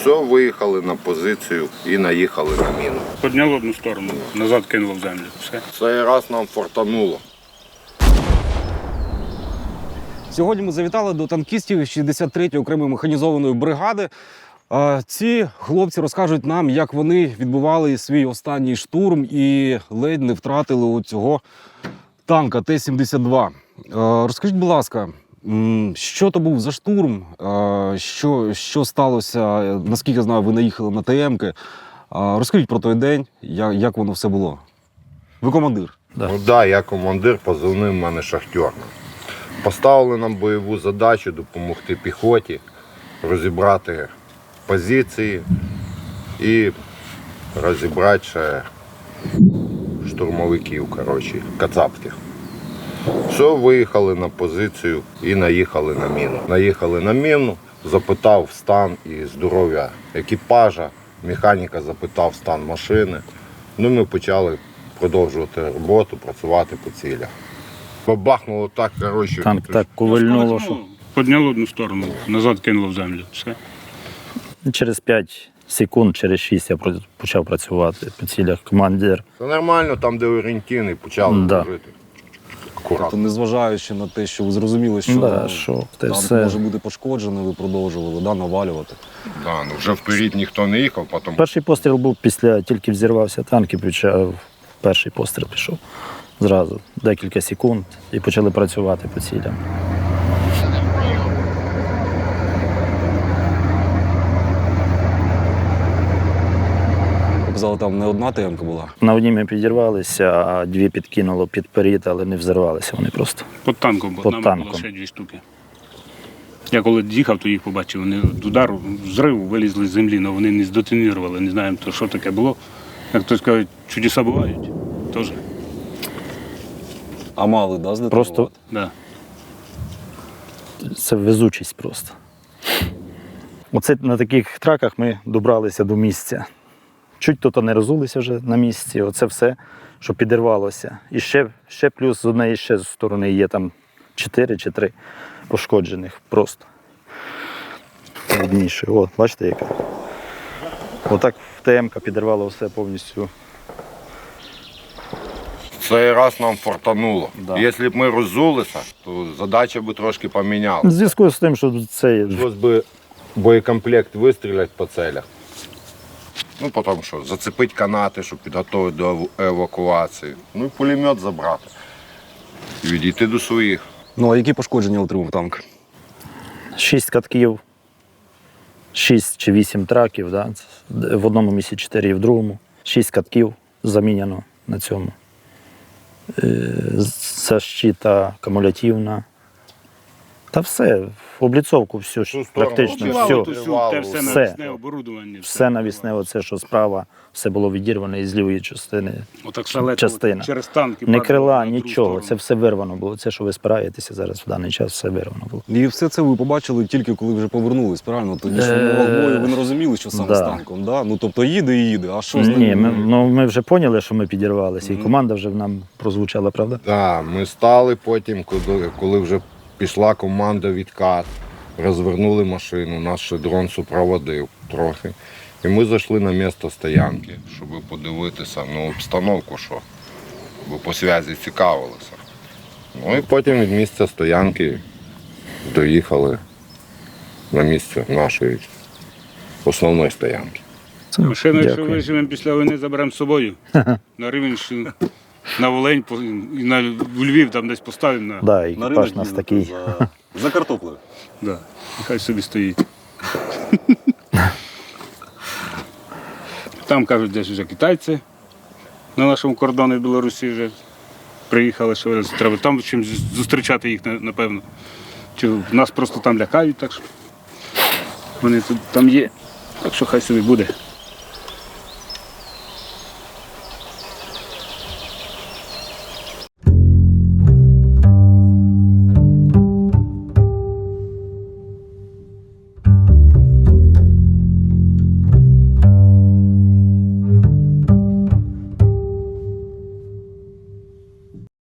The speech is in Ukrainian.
Все, виїхали на позицію і наїхали на міну. Підняв одну сторону, назад кинуло в землю. Все. Цей раз нам фортануло. Сьогодні ми завітали до танкістів 63-ї окремої механізованої бригади. Ці хлопці розкажуть нам, як вони відбували свій останній штурм і ледь не втратили у цього танка Т-72. Розкажіть, будь ласка, що то був за штурм, що сталося, наскільки я знаю, ви наїхали на ТМ-ки. Розкажіть про той день, як воно все було. Ви командир? Да. Ну так, я командир, позивний в мене шахтер. Поставили нам бойову задачу допомогти піхоті, розібрати позиції і розібрати ще штурмовиків, кацапських. Все, виїхали на позицію і наїхали на міну. Наїхали на міну, запитав стан і здоров'я екіпажа, механіка запитав стан машини. Ну, ми почали продовжувати роботу, працювати по цілях. Бабахнуло так, Танк так ковильнуло, що Підняв одну сторону, назад кинуло в землю. Все. через 5 секунд, через 6 я почав працювати по цілях. Командир. Це нормально, там де орієнтіни, почали жити. Акуратно. Незважаючи на те, що ви зрозуміли, що танк все. може бути пошкоджений, ви продовжували навалювати. Да, ну вже вперед ніхто не їхав, потім... Перший постріл був після, тільки взірвався танк і почав, перший постріл пішов зразу, декілька секунд, і почали працювати по цілям. Ви казали, там не одна ТМ-ка була? На одній ми підірвалися, а дві підкинуло під перід, але не взірвалися вони просто. Під танком, бо нам було ще 2 штуки. Я коли їхав, то їх побачив, вони від удару, взриву вилізли з землі, але вони не здетонірували, не знаємо, що таке було. Як хтось каже, чудеса бувають, теж. А мали, да, здетонувати? Просто Да. це везучість просто. Оце на таких траках ми добралися до місця. Чуть тут не розулися вже на місці, оце все, що підірвалося. І ще плюс з однієї ще сторони є там 4 чи 3 пошкоджених просто. Видніше. О, бачите, яка? Отак ТМ-ка підірвала все повністю. Цей раз нам фортануло. Да. Якщо б ми роззулися, то задача би трошки помінялася. В зв'язку з тим, що це Прийшлось би боєкомплект вистріляти по целях. Ну, потім що, зацепити канати, щоб підготувати до евакуації. Ну і пулемет забрати. І відійти до своїх. Ну, а які пошкодження отримав танк? 6 катків, 6 чи 8 траків, да? В одному місці 4 і в другому. 6 катків заміняно на цьому. Защита кумулятивна. Та все, обліцовку всю, практично все. навісне оборудування. Все навісне, оце, що справа, все було відірване із лівої частини. Отак шалето частина. через танки. Не падало крила, на другу нічого, сторону. це все вирвано було. Це, що ви спираєтеся зараз в даний час, все вирвано було. І все це ви побачили тільки коли вже повернулись, правильно? Тоді ж бою ви не розуміли, що саме з танком, да? Ну, тобто їде і їде, а що з ним? Ні, ми вже поняли, що ми підірвалися, і команда вже нам прозвучала, правда? Так, ми стали потім, коли вже пішла команда відкат, розвернули машину, нас ще дрон супроводив трохи. І ми зайшли на місце стоянки, щоб подивитися обстановку, що, бо по зв'язі цікавилися. Ну і потім від місця стоянки доїхали на місце нашої основної стоянки. Машину, якщо виживемо після війни, заберемо з собою. На Рівненщину, на Волинь, і у Львів там десь поставимо. Да, екіпаж нас такий. За картоплею. Да. Нехай собі стоїть. Там, кажуть, десь вже китайці на нашому кордоні в Білорусі вже приїхали, що треба там чимось зустрічати їх, напевно. Чи нас просто там лякають, так що вони тут там є, так що хай собі буде.